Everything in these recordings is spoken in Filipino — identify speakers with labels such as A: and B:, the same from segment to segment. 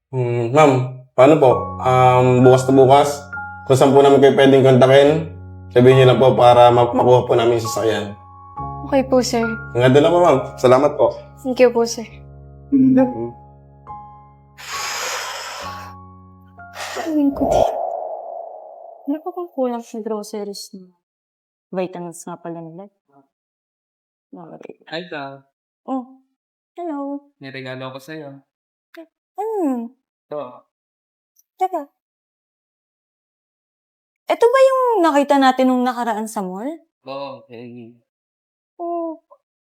A: Ma'am, paano po? Bukas na bukas, kung saan po namin kayo pwedeng kontakin, sabihin niyo lang po para makuha po namin yung sasakyan.
B: Okay po, sir.
A: Hanggang doon lang po, ma'am. Salamat po.
B: Thank you po, sir. Gawin ko din. Ano pa kung kulang sa groceries na vitamins nga pala nila?
C: Ay, ka.
B: Oh, hello.
C: May regalo ko sa'yo. Ito.
B: Teka. Ito ba yung nakita natin nung nakaraan sa mall?
C: Oo, okay.
B: Oh,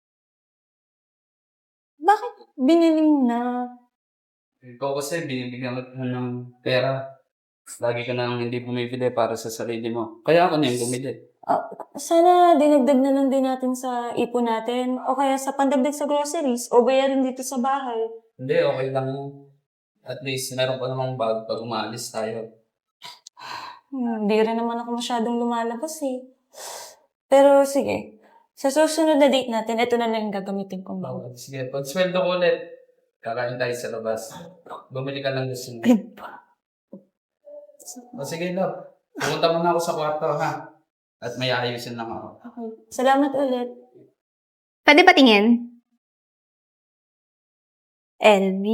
B: bakit binili mo na?
C: Ikaw kasi, binibigyan ko ng pera. Lagi ka nang hindi bumibili para sa sarili mo. Kaya ako na yung bumili.
B: Sana dinagdag na lang din natin sa ipon natin o kaya sa pandagdag sa groceries o bayarin dito sa bahay.
C: Hindi, okay lang. At least, meron pa namang bag pag umaalis tayo.
B: Hindi rin naman ako masyadong lumalabas eh. Pero sige, sa susunod na date natin, ito na lang yung gagamitin kong bawal.
C: Sige, pag sweldo ko ulit, kakain tayo sa labas. Bumili ka lang gusto mo. O sige, love. Pumunta muna ako sa kwarto, ha? At may ayusin lang ako.
B: Okay. Salamat ulit.
D: Pwede ba tingin?
B: LV.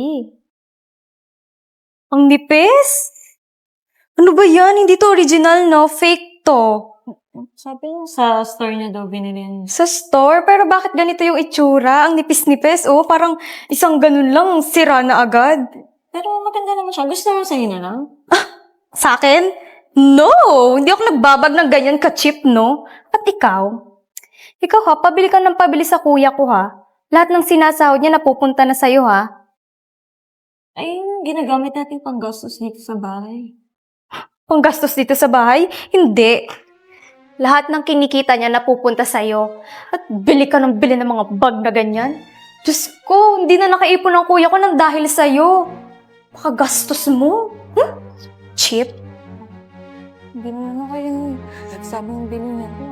B: Ang nipis? Ano ba yan? Hindi to original, no? Fake to. Sabi niya sa store niya daw binili yan. Sa store? Pero bakit ganito yung itsura? Ang nipis-nipis. Oh, parang isang ganun lang, sira na agad. Pero maganda naman siya. Gusto mo sa'yo na lang? Sa akin? No! Hindi ako nagbabag ng ganyan ka-cheap, no? At ikaw? Ikaw ha, pabili ka ng pabili sa kuya ko ha. Lahat ng sinasahod niya napupunta na sa'yo ha. Ay, ginagamit natin panggastos dito sa bahay. Panggastos dito sa bahay? Hindi.
D: Lahat ng kinikita niya napupunta sa'yo. At bili ka ng bili ng mga bag na ganyan.
B: Diyos ko, hindi na nakaipon ang kuya ko ng dahil sa'yo. Pakagastos mo. Cheap. Hindi naman kayo nagsabi ng bili niya ko.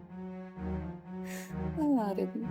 B: Nangyari din.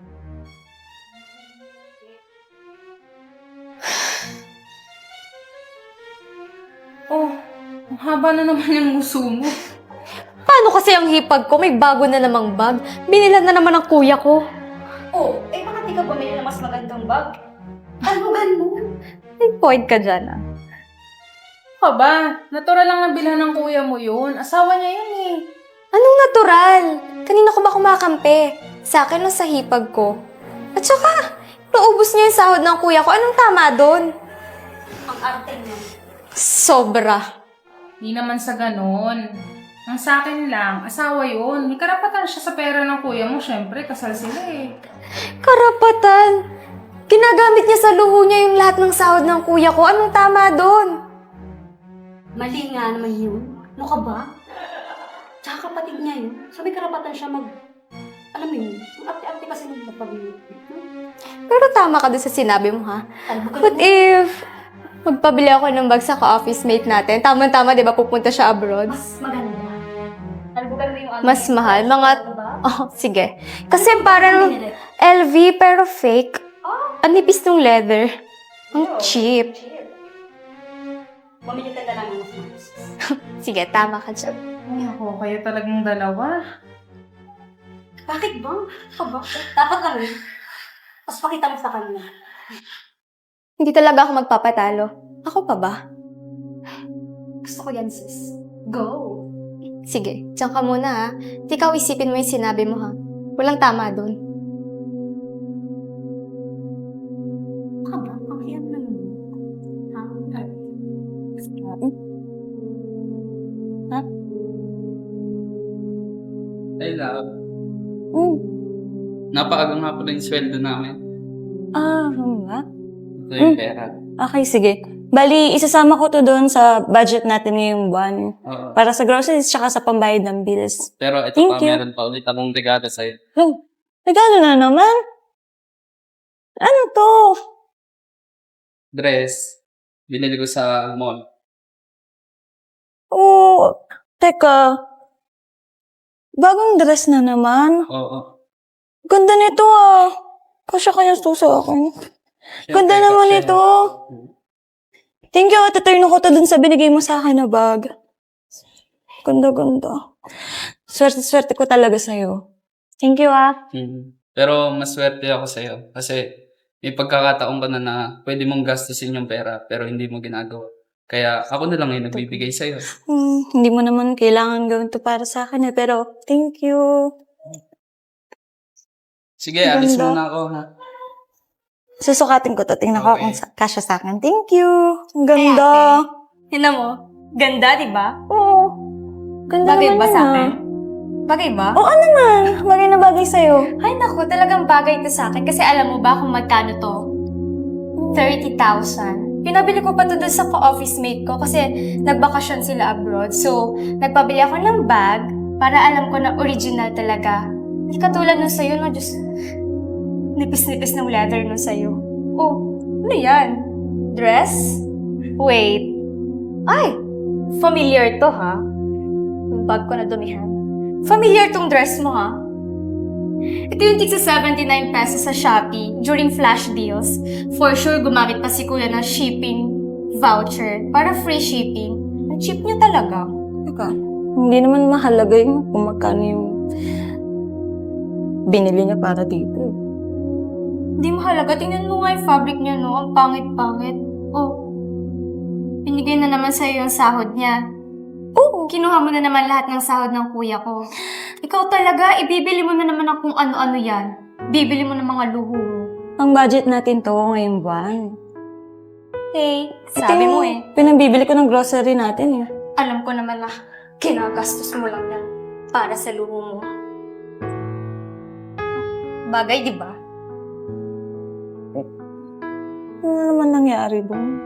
E: Oh, ang haba na naman yung muso mo.
B: Paano kasi ang hipag ko? May bago na namang bag. Binilan na naman ng kuya ko.
D: Oh, eh bakit di ka bumili ng mas magandang bag? Talugan mo.
B: May point ka dyan ah.
E: Aba, natural lang nabilhan ng kuya mo yun. Asawa niya yun eh.
B: Anong natural? Kanina ko ba kumakampi? Sa akin o sa hipag ko? At saka, naubos niya yung sahod ng kuya ko. Anong tama doon?
D: Ang arte niya.
B: Sobra.
E: Di naman sa ganon. Ang sa akin lang, asawa yun. May karapatan siya sa pera ng kuya mo. Siyempre, kasal sila eh.
B: Karapatan. Ginagamit niya sa luho niya yung lahat ng sahod ng kuya ko. Anong tama doon?
D: Mali nga naman yun. Ano ka ba? Tsaka kapatid niya yun. So may karapatan siya alam mo yun, ang arte-arte kasi nung magpabili.
B: Pero tama ka doon sa sinabi mo ha.
D: Talbo ka
B: What
D: naman.
B: if magpabili ako ng bag sa ka-office mate natin? Tama-tama, di ba pupunta siya abroad?
D: Mas maganda. Talbugan mo yung ano.
B: Mas mahal. Mga...
D: Diba?
B: Oh, sige. Kasi parang LV pero fake. Ang nipis ng leather. Ang cheap.
D: Bumili ka na lang ng mas mahal.
B: Sige, tama ka dyan.
E: Ay ako, kayo talagang dalawa.
D: Bakit ba? Aba, dapat lang yun. Mas pakita mo sa kanya.
B: Hindi talaga ako magpapatalo. Ako pa ba?
D: Gusto ko yan, sis. Go!
B: Sige, diyan ka muna ha. Ikaw isipin mo yung sinabi mo ha. Walang tama doon.
D: Ka ba? Panghiyan na nun. Ha?
C: Ay, love.
B: Mm.
C: Napaaga nga pala yung sweldo namin.
B: Nga?
C: Ito yung pera.
B: Okay, sige. Bali, isasama ko to doon sa budget natin ngayong buwan.
C: Oo.
B: Para sa groceries tsaka sa pambayad ng bills.
C: Pero ito
B: Thank
C: pa,
B: you.
C: meron pa ulit akong regalo sa'yo.
B: Oh, regalo na naman? Ano to?
C: Dress. Binili ko sa mall.
B: Oh, teka. Bagong dress na naman.
C: Oo.
B: Ganda nito ah. Kasya kaya to sa akin. Ganda
C: Siyempre,
B: naman
C: kasi-
B: ito. Thank you, Ate. Turn ko to dun sa binigay mo sa akin na bag. Ganda-ganda. Swerte-swerte ko talaga sa'yo. Thank you, ah.
C: Pero maswerte ako sa'yo kasi may pagkakataon ka na pwede mong gastusin yung pera pero hindi mo ginagawa. Kaya ako na lang yung nagbibigay sa'yo.
B: Hindi mo naman kailangan gawin to para sa akin, pero thank you.
C: Sige, alis
B: Ganda.
C: muna ako ha.
B: Susukatin ko to. Tingnan ko
C: Okay.
B: kung kasya sa akin. Thank you. Ang ganda.
F: Tingnan mo. Ganda, di ba?
B: Oo. Ganda
F: Bagay
B: naman
F: ba
B: yun,
F: sa
B: ah.
F: akin? Bagay ba?
B: Oo naman. Bagay na bagay sa'yo.
F: Ay, naku, talagang bagay ito sa akin. Kasi alam mo ba kung magkano to? 30,000. Pinabili ko pa to doon sa ka-office mate ko kasi nagbakasyon sila abroad. So, nagpabili ako ng bag para alam ko na original talaga. Hindi katulad nung sa'yo, no? Diyos, nipis-nipis ng leather nung sa'yo. Oh, ano yan? Dress? Wait. Ay, familiar to, ha? Yung bag ko na dumihan. Familiar tong dress mo, ha? Ito yung tig sa 79 pesos sa Shopee during flash deals. For sure, gumamit pa si Kuya ng shipping voucher para free shipping. Ang cheap niya talaga.
B: Teka, hindi naman mahalaga yung kung magkano yung binili niya para dito.
F: Hindi mahalaga. Tingnan mo nga yung fabric niya, no? Ang pangit-pangit. Oh, binigay na naman sa'yo yung sahod niya. Oo, kinuha mo na naman lahat ng sahod ng kuya ko. Ikaw talaga, ibibili mo na naman ng kung ano-ano yan. Bibili mo ng mga luho mo.
B: Ang budget natin to ngayong buwan.
F: Hey,
B: Ito
F: sabi
B: yung
F: mo eh.
B: pinambibili ko ng grocery natin eh.
F: Alam ko naman na kinagastos mo lang yan para sa luho mo. Bagay, di ba?
B: Ano naman nangyari doon?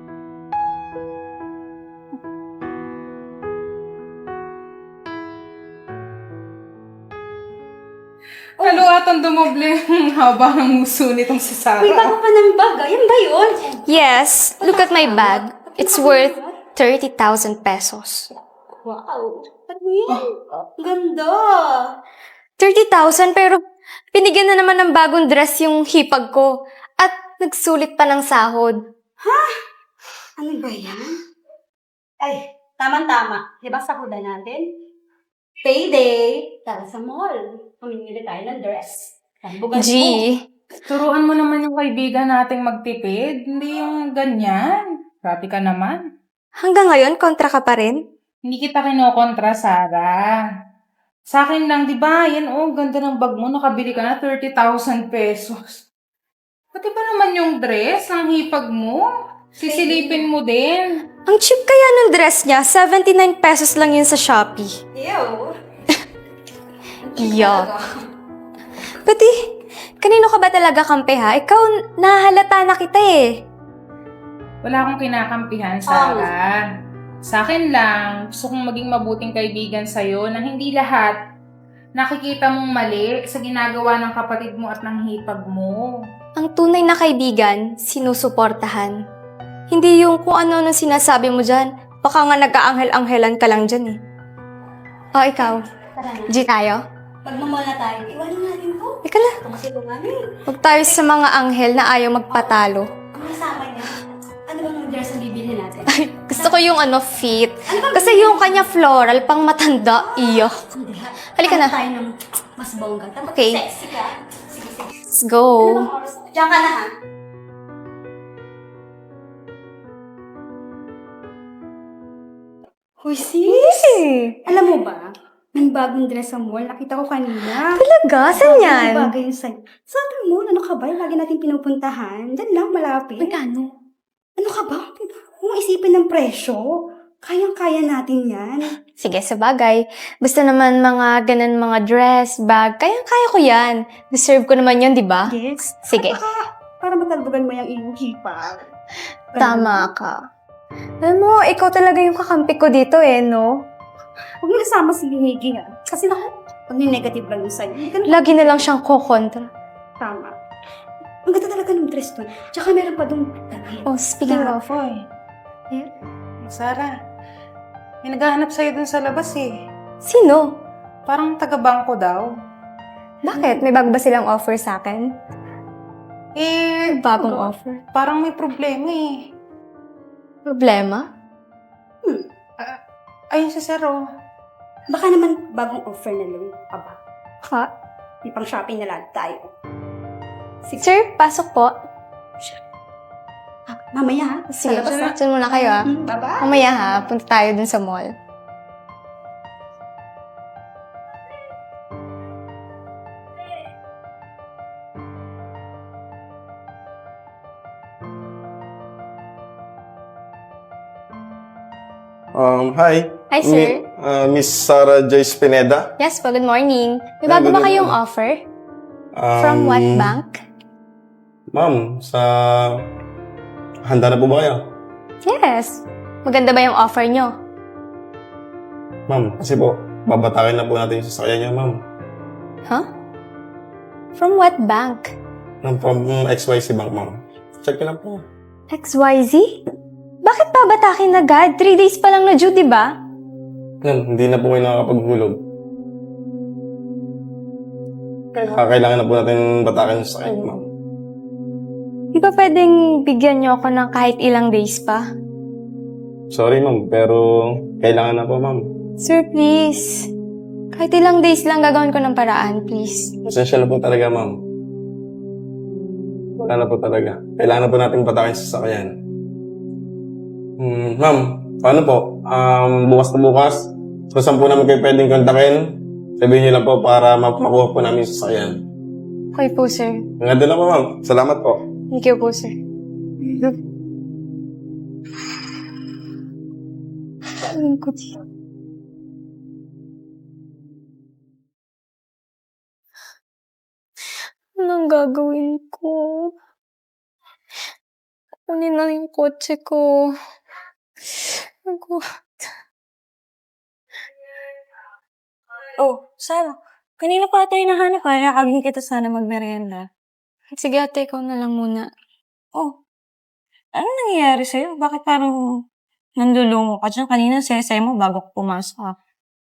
E: Halo, atong dumoble ang haba ng uso nitong si Sarah.
D: Uy, bago pa ng bag. Yan ba yun?
F: Yes, look at my bag. It's worth 30,000 pesos.
D: Wow. Ano yan? Ganda.
F: 30,000 pero binigyan na naman ng bagong dress yung hipag ko. At nagsulit pa ng sahod.
D: Ano ba yan? Ay, tama-tama. Diba sahudan natin? Payday. Tara sa mall. Pamimili tayo ng dress. Bugan
F: G,
E: Turuan mo naman yung kaibigan nating magtipid. Hindi yung ganyan. Grabe ka naman.
F: hanggang ngayon kontra ka pa rin?
E: Hindi kita kinokontra, Sarah. Sa akin lang, di ba? Yan, oh, ganda ng bag mo. Nakabili ka na 30,000 pesos. Pati ba naman yung dress ng hipag mo? Sisilipin mo din.
F: Ang cheap kaya ng dress niya, 79 pesos lang yun sa Shopee.
D: Ew.
F: Yuck. Pati, kanino ka ba talaga kampi ha? Ikaw, nahalata na kita eh.
E: Wala akong kinakampihan, Sarah. Sa akin lang, gusto kong maging mabuting kaibigan sa'yo na hindi lahat nakikita mong mali sa ginagawa ng kapatid mo at ng hipag mo.
F: Ang tunay na kaibigan, sinusuportahan. Hindi yung kung ano nang sinasabi mo dyan. Baka nga nag-aanghel-anghelan ka lang dyan eh. O, ikaw.
D: Tara na.
F: G tayo?
D: Pagmamall na tayo. Iwanan natin to.
F: Ika na.
D: Ito kasi ito nga
F: Huwag tayo sa mga anghel na ayaw magpatalo.
D: Ang kasama niya. Ano ba yung dress na bibili natin?
F: Gusto ko yung fit. Kasi yung kanya floral, pang matanda. Iyo.
D: Hindi ha.
F: Halika na.
D: Tayo ng mas bongga. Tapos
F: Okay.
D: sexy ka. Sige, sige.
F: Let's go.
D: Ano bang oras? Diyan ka na ha. Hoy sis! Alam mo ba? May bagong dress sa mall. Nakita ko kanina.
F: Talaga? Saan yan?
D: Bagay yun sa'yo. Sa ating mall, ano ka ba? Lagi natin pinupuntahan. Diyan lang, malapit.
F: Magkano?
D: Ano ka ba? Huwag mo isipin ng presyo. Kayang-kaya natin yan.
F: Sige, sa bagay. Basta naman mga ganun mga dress, bag, kayang-kaya ko yan. Deserve ko naman yun, di ba?
D: Yes.
F: Sige.
D: Para matalbugan mo yung iyong hipag.
F: Tama ka. Alam mo, ikaw talaga yung kakampi ko dito eh, no?
D: Huwag mo nasama si Higi ha. Kasi naku, pag negative lang yung sa'yo. Hindi ka na
F: Lagi na lang siyang kokontra.
D: tama. Ang ganda talaga ng dress doon. Tsaka meron pa doon damit.
F: Oh, speaking of,
E: Sarah, may naghahanap sa'yo dun sa labas eh.
F: sino?
E: Parang taga-bangko daw.
F: Bakit? May bago ba silang offer sa akin?
E: Eh,
F: Bagong offer?
E: parang may problema eh.
F: Problema?
E: Ayun si Sir, oh.
D: Baka naman bagong offer na loan pa ba?
F: Ha?
D: May pang shopping na lang tayo. Sige,
F: Sir, pasok po.
D: mamaya ha.
F: Sige,
D: Sa labas na.
F: dyan muna kayo ah.
D: Bye-bye.
F: Mamaya ha, punta tayo dun sa mall.
A: Hi.
F: Hi, sir.
A: Miss Sarah Joyce Pineda.
F: Yes po, good morning. May
A: Yeah,
F: bago
A: good
F: ba kayong
A: morning.
F: offer? From what bank?
A: Ma'am, handa na po ba kayo?
F: Yes. Maganda ba yung offer nyo?
A: Ma'am, kasi po, babatakin na po natin yung sasakyan niyo, ma'am.
F: Huh? From what bank?
A: From XYZ Bank, ma'am. Check ko lang po.
F: XYZ? Bakit babatakin agad? 3 days pa lang na due, di ba?
A: Ma'am, hindi na po kayo nakakapaghulog. Kailangan na po natin batakin yung sasakyan niyo, ma'am.
F: Di ba pwedeng bigyan nyo ako ng kahit ilang days pa?
A: Sorry, ma'am, pero kailangan na po, ma'am.
F: Sir, please. Kahit ilang days lang gagawin ko ng paraan, please.
A: Essential na po talaga, ma'am. Wala na po talaga. Kailangan na po natin batakin yung sasakyan. Ma'am, paano po? Bukas na bukas, so saan po namin kayo pwedeng kontakin? Sabihin niyo lang po para makuha po namin yung sasakyan.
F: Okay po, sir.
A: Hanggang doon lang po, ma'am. Salamat po.
F: Thank you po, sir. Gawin ko dito. Anong gagawin ko? Kunin na yung kotse ko.
B: Oh, Sarah. Kanina pa tayo nahanap ha. Nakagin kita sana magmerienda.
F: Sige ate, ikaw na lang muna.
B: Oh, ano nangyayari sa'yo? Bakit parang nandulungo ka dyan? Kanina sesay mo bago ko pumasok ha.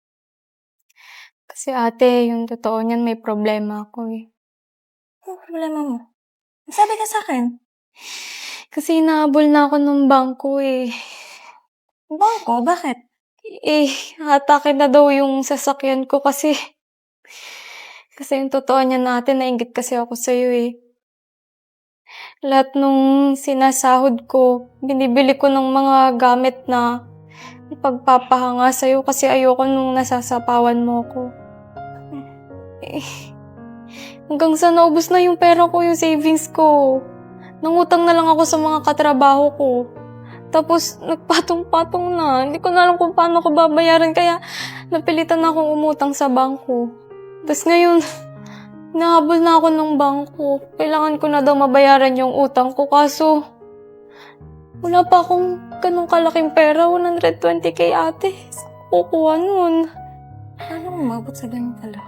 F: Kasi ate, yung totoo niyan may problema ako eh.
B: Ano problema mo? Sabi ka sa akin.
F: Kasi inahabol na ako ng bangko eh.
B: Bangko? Bakit?
F: Eh, atake na daw yung sasakyan ko kasi yung totoo niya natin, nainggit kasi ako sa'yo eh. Lahat nung sinasahod ko, binibili ko ng mga gamit na ipagpapahanga sa'yo kasi ayoko nung nasasapawan mo ko. Eh, hanggang sa naubos na yung pera ko, yung savings ko. Nangutang na lang ako sa mga katrabaho ko. Tapos, nagpatong-patong na. Hindi ko na alam kung paano ko babayaran. Kaya, napilitan na akong umutang sa bangko. Tapos ngayon, nahabol na ako ng bangko. Kailangan ko na daw mabayaran yung utang ko. Kaso, wala pa akong ganong kalaking pera. 120k ate. Saan ko kukuha nun?
B: Paano umabot sa ganun pala?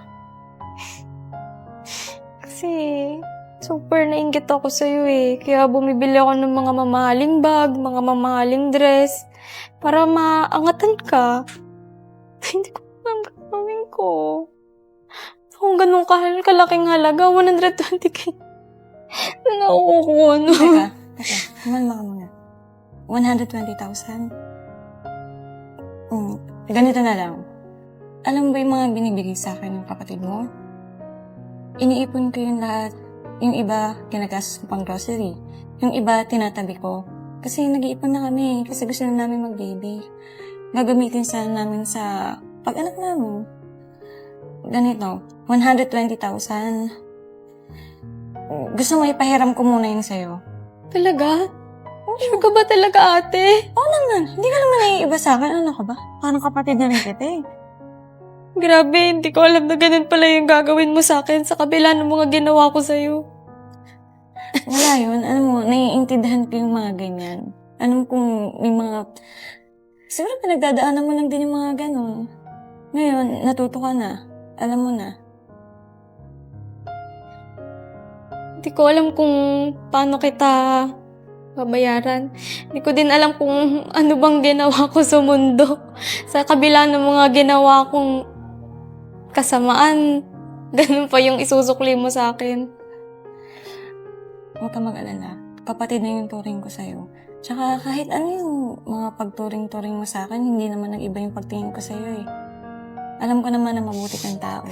F: Kasi, super nainggit ako sa'yo eh. Kaya bumibili ako ng mga mamahaling bag, mga mamahaling dress, para maangatan ka. Hindi ko alam gagawin ko. Kung ganun kalaking halaga, 120k. Saan ako kukuha nun?
B: Teka. Kumalma ka muna. 120,000? Ganito na lang. Alam mo ba yung mga binibigay sa akin ng kapatid mo? Iniipon ko yung lahat. Yung iba, ginagastos ko pang grocery. Yung iba, tinatabi ko. Kasi nag-iipon na kami. Kasi gusto na namin mag-baby. Gagamitin sana namin sa pag-anak namin. Ganito, 120,000. Gusto mo ipahiram ko muna yun sa'yo?
F: Talaga? Sure ka ba talaga, ate?
B: Oo naman. Hindi ka naman naiiba sa akin. Ano ka ba? Parang kapatid na rin kita eh.
F: Grabe, hindi ko alam na ganun pala yung gagawin mo sa akin sa kabila ng mga ginawa ko sa'yo.
B: Wala yun. Alam mo, naiintindihan ko yung mga ganyan. Alam kung may mga... Siguro pinagdadaanan mo lang din yung mga ganon. Ngayon, natuto ka na. Alam mo na.
F: Hindi ko alam kung paano kita babayaran. Hindi ko din alam kung ano bang ginawa ko sa mundo. Sa kabila ng mga ginawa kong kasamaan, ganun pa yung isusukli mo sa akin.
B: Huwag ka mag-alala. Kapatid na yung turing ko sa'yo. Tsaka kahit ano yung mga pagturing-turing mo sa akin, hindi naman nag-iba yung pagtingin ko sa'yo eh. Alam ko naman na mabuti kang tao.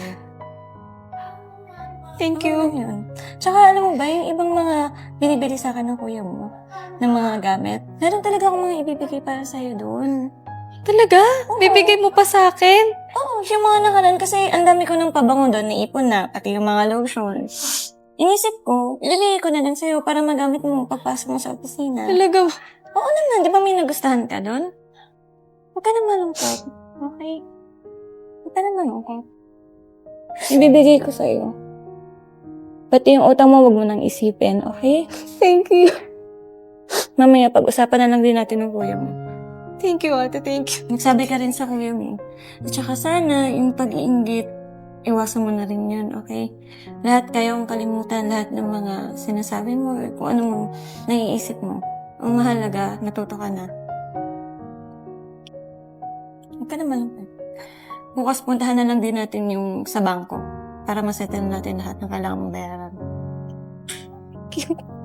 B: Thank you. Yun. Tsaka alam mo ba, yung ibang mga binibili sa akin ng kuya mo, ng mga gamit, meron talaga akong mga ibibigay para sa'yo doon.
F: Talaga? Bibigay mo pa sa akin?
B: Oo, yung mga nakaraan kasi ang dami ko ng pabango doon, naipon na, pati yung mga lotion. Inisip ko, ilagay ko na lang sa'yo para magamit mo pagpasok mo sa opisina.
F: Talaga?
B: Oo naman, di ba may nagustuhan ka doon? Huwag ka na malungkot, okay? Huwag ka na malungkot. Ibibigay ko sa'yo. Pati yung utang mo, wag mo nang isipin, okay?
F: Thank you.
B: Mamaya, pag-usapan na lang din natin ng kuya mo.
F: Thank you, ate. Thank you.
B: Nagsabi ka rin sa kuya mo. At saka sana, yung pag-iinggit, iwasan mo na rin yun, okay? Lahat kayong kalimutan, lahat ng mga sinasabi mo, kung ano mo naiisip mo. Ang mahalaga, natuto ka na. Huwag ka naman. Bukas puntahan na lang din natin yung sa bangko para masettle natin lahat ng kailangan mong bayaran.
F: Thank you.